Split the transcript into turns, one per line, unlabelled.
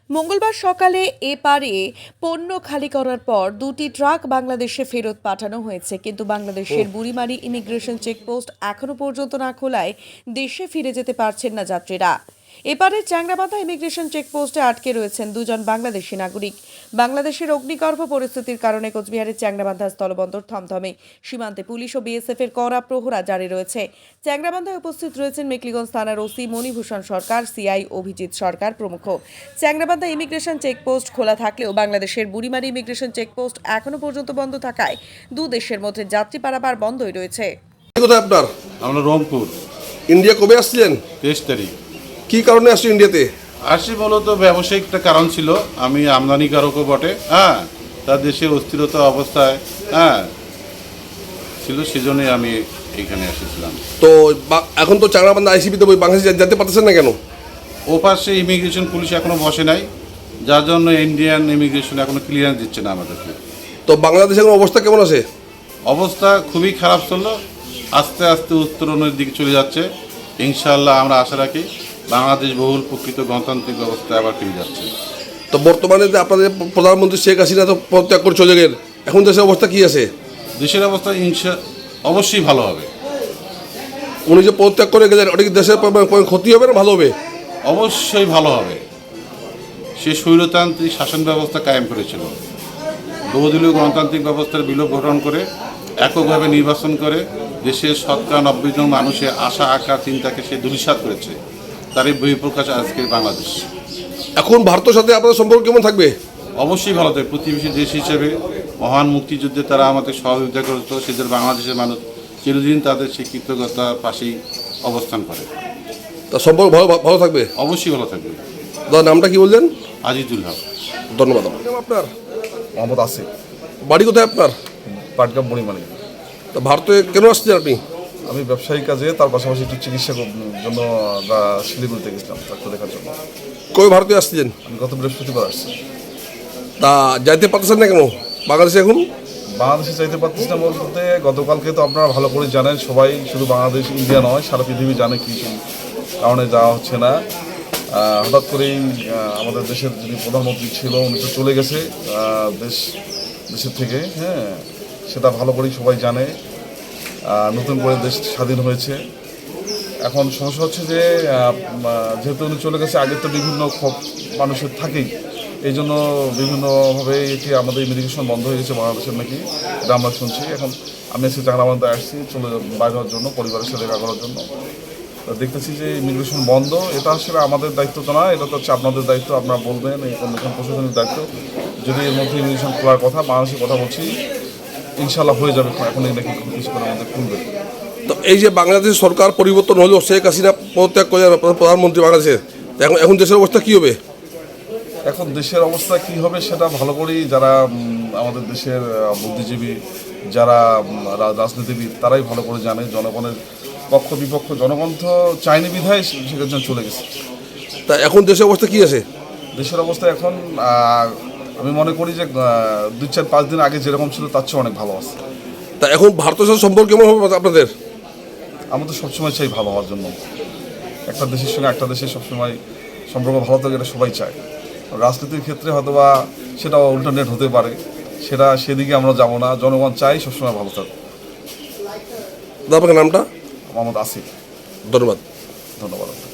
মঙ্গলবার সকালে এপারে পণ্য খালি করার পর দুটি ট্রাক বাংলাদেশে ফেরত পাঠানো হয়েছে, কিন্তু বাংলাদেশের বুড়িমারি ইমিগ্রেশন চেকপোস্ট এখনো পর্যন্ত না খোলায় দেশে ফিরে যেতে পারছেন না যাত্রীরা। এপারে চ্যাংরাবান্ধা ইমিগ্রেশন চেকপোস্টে আটকে রয়েছেন দুজন বাংলাদেশি নাগরিক। বাংলাদেশের অগ্নিগর্ভ পরিস্থিতির কারণে কোচবিহারের চ্যাংরাবান্ধা স্থলবন্দর থমথমে। সীমান্তে পুলিশ ও বিএসএফ এর কড়া প্রহরা জারি রয়েছে। চ্যাংরাবান্ধায় উপস্থিত রয়েছেন মেকলিগঞ্জ থানার ওসি মণিভূষণ সরকার, সিআই অভিজিৎ সরকার প্রমুখ। চ্যাংরাবান্ধা ইমিগ্রেশন চেকপোস্ট খোলা থাকলেও বাংলাদেশের বুড়িমারি ইমিগ্রেশন চেকপোস্ট এখনো পর্যন্ত বন্ধ থাকায় দু দেশের মধ্যে যাত্রী পারাপার বন্ধই রয়েছে।
কোথায় আপনার?
আমরা রংপুর।
ইন্ডিয়া কবে আসছিলেন?
23 তারিখ।
কি কারণে আসছেন ইন্ডিয়াতে?
আসছি মূলত ব্যবসায়িক একটা কারণ ছিল, আমি আমদানিকারকও বটে, তার দেশে অস্থিরতা অবস্থায় ছিল, সেজন্যই আমি এখানে এসেছিলাম।
তো এখন তো চ্যাংরাবান্ধা আইসিপিতে বাংলাদেশ যেতে পারতেছেন না কেন?
ও পাশে ইমিগ্রেশন পুলিশ এখনো বসে নাই, যার জন্য ইন্ডিয়ান ইমিগ্রেশন এখনো ক্লিয়ারেন্স দিচ্ছে না আমাদেরকে।
তো বাংলাদেশের এখন অবস্থা কেমন আছে?
অবস্থা খুবই খারাপ ছিল, আস্তে আস্তে উত্তরণের দিকে চলে যাচ্ছে। ইনশাআল্লাহ আমরা আশা রাখি বাংলাদেশ বহুল প্রকৃত গণতান্ত্রিক ব্যবস্থায় আবার ফিরে যাচ্ছে।
তো বর্তমানে যে আপনাদের প্রধানমন্ত্রী শেখ হাসিনা তো পদত্যাগ করে চলে গেলেন, এখন দেশের অবস্থা কি আছে?
দেশের অবস্থা অবশ্যই ভালো হবে।
উনি যে পদত্যাগ করে গেলেন, ওটা কি দেশের ক্ষতি হবে না ভালো হবে?
অবশ্যই ভালো হবে। সে স্বৈরতান্ত্রিক শাসন ব্যবস্থা কায়েম করেছিল, বহুদলীয় গণতান্ত্রিক ব্যবস্থার বিলোপ গঠন করে এককভাবে নির্বাচন করে দেশের 90% জন মানুষের আশা আকাঙ্ক্ষা চিন্তাকে সে ধূলিসাৎ করেছে। তারই বহিঃপ্রকাশ আজকের বাংলাদেশ।
এখন ভারতের সাথে আপনাদের সম্পর্ক কেমন থাকবে?
অবশ্যই ভালো থাকবে। প্রতিবেশী দেশ হিসেবে মহান মুক্তিযুদ্ধে তারা আমাদের সহযোগিতা করত, সেদের বাংলাদেশের মানুষ চিরদিন তাদের সেই কৃতজ্ঞতার পাশেই অবস্থান করে।
তা সম্পর্ক ভালো থাকবে?
অবশ্যই ভালো থাকবে।
নামটা কি বললেন?
আজিজুল হক।
ধন্যবাদ। আপনার?
মোহাম্মদ আসিফ।
বাড়ি কোথায় আপনার?
পাটগ্রাম বুড়িমারি।
তা ভারতে কেন আসছেন আপনি?
আমি ব্যবসায়িক কাজে, তার পাশাপাশি একটু চিকিৎসা জন্য শিলিগুড়িতে গেছিলাম ডাক্তার দেখার জন্য।
কবে ভারতে আসছিলেন?
আমি গত বৃহস্পতিবার আসছি।
তা যাইতে পারতেছেন না কেন বাংলাদেশে? এখন
বাংলাদেশে চাইতে পারতেছি না বলতে, গতকালকে তো আপনারা ভালো করে জানেন, সবাই শুধু বাংলাদেশ ইন্ডিয়া নয় সারা পৃথিবী জানে কি কারণে যাওয়া হচ্ছে না। হঠাৎ করেই আমাদের দেশের যিনি প্রধানমন্ত্রী ছিল উনি তো চলে গেছে দেশের থেকে, সেটা ভালো করেই সবাই জানে। নতুন করে দেশ স্বাধীন হয়েছে। এখন সমস্যা হচ্ছে যে যেহেতু উনি চলে গেছে, আগে তো বিভিন্ন ক্ষোভ মানুষের থাকেই, এই জন্য বিভিন্নভাবে এটি আমাদের ইমিগ্রেশন বন্ধ হয়ে গেছে বাংলাদেশের নাকি, এটা আমরা শুনছি। এখন আমি আজকে চ্যাংরাবান্ধায় আসছি বাইরে হওয়ার জন্য, পরিবারের সাথে দেখা করার জন্য। দেখতেছি যে ইমিগ্রেশন বন্ধ। এটা আসলে আমাদের দায়িত্ব তো না, এটা তো হচ্ছে আপনাদের দায়িত্ব, আপনারা বলবেন, এই কমিশন প্রশাসনের দায়িত্ব। যদি এর মধ্যে ইমিগ্রেশন খোলার কথা, বাংলাদেশের কথা বলছি, ইনশাল্লাহ হয়ে যাবে, এখন এই নাকি কিছুক্ষণের মধ্যে খুলবে।
তো এই যে বাংলাদেশ সরকার পরিবর্তন হলো, শেখ হাসিনা পদত্যাগ করে প্রধানমন্ত্রী বাংলাদেশের, এখন দেশের অবস্থা কী হবে?
এখন দেশের অবস্থা কি হবে সেটা ভালো করেই যারা আমাদের দেশের বুদ্ধিজীবী, যারা রাজনীতিবিদ, তারাই ভালো করে জানে। জনগণের পক্ষ বিপক্ষ, জনগণ তো চাইনি বিধায় সেখানে চলে গেছে।
তা এখন দেশের অবস্থা কী আছে?
দেশের অবস্থা এখন আমি মনে করি যে 2-4-5 দিন আগে যেরকম ছিল তার চেয়ে অনেক ভালো আছে।
তা এখন ভারতের সাথে সম্পর্ক কেমন হবে আপনাদের?
আমাদের সবসময় চাই ভালো হওয়ার জন্য। একটা দেশের সঙ্গে একটা দেশের সবসময় সম্পর্ক ভালো থাকে, এটা সবাই চায়। রাজনীতির ক্ষেত্রে হয়তো বা সেটা অল্টারনেট হতে পারে, সেদিকে আমরা যাব না। জনগণ চাই সবসময় ভালো থাকুক।
আপনার নামটা?
মোহাম্মদ আসিফ।
ধন্যবাদ।
ধন্যবাদ।